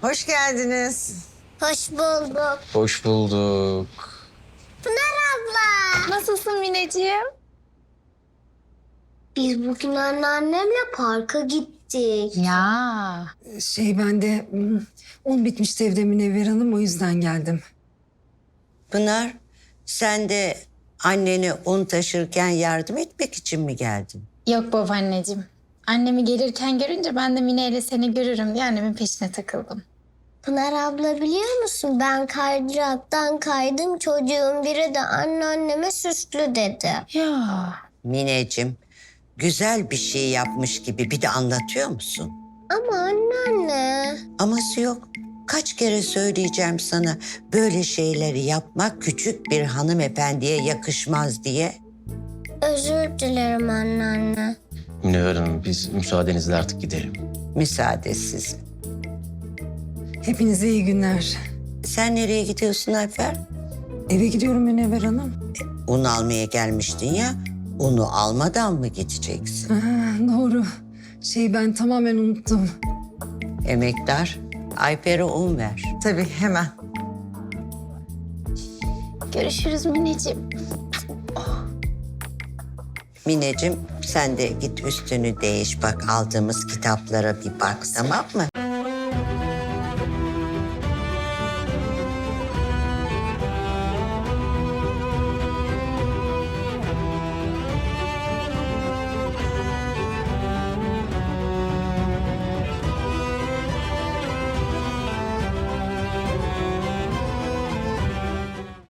Hoş geldiniz. Hoş bulduk. Hoş bulduk. Pınar abla. Nasılsın Mineciğim? Biz bugün anneannemle parka gittik. Ya. Ben de un bitmişti evde Münevver Hanım, o yüzden geldim. Pınar, sen de annene un taşırken yardım etmek için mi geldin? Yok babaanneciğim. Annemi gelirken görünce ben de Mine ile seni görürüm diye annemin peşine takıldım. Pınar abla biliyor musun? Ben kaydıraktan kaydım. Çocuğun biri de anneanneme süslü dedi. Ya. Mineciğim, güzel bir şey yapmış gibi bir de anlatıyor musun? Ama anneanne. Aması yok. Kaç kere söyleyeceğim sana böyle şeyleri yapmak küçük bir hanımefendiye yakışmaz diye. Özür dilerim anneanne. Münevver Hanım, biz müsaadenizle artık gidelim. Müsaadesiz. Hepinize iyi günler. Sen nereye gidiyorsun Alper? Eve gidiyorum Münevver Hanım. Un almaya gelmiştin ya. Unu almadan mı gideceksin? Doğru. Ben tamamen unuttum. Emektar, Alper'e un ver. Tabii hemen. Görüşürüz Mineciğim. Mineciğim sen de git üstünü değiş bak aldığımız kitaplara bir bak tamam mı?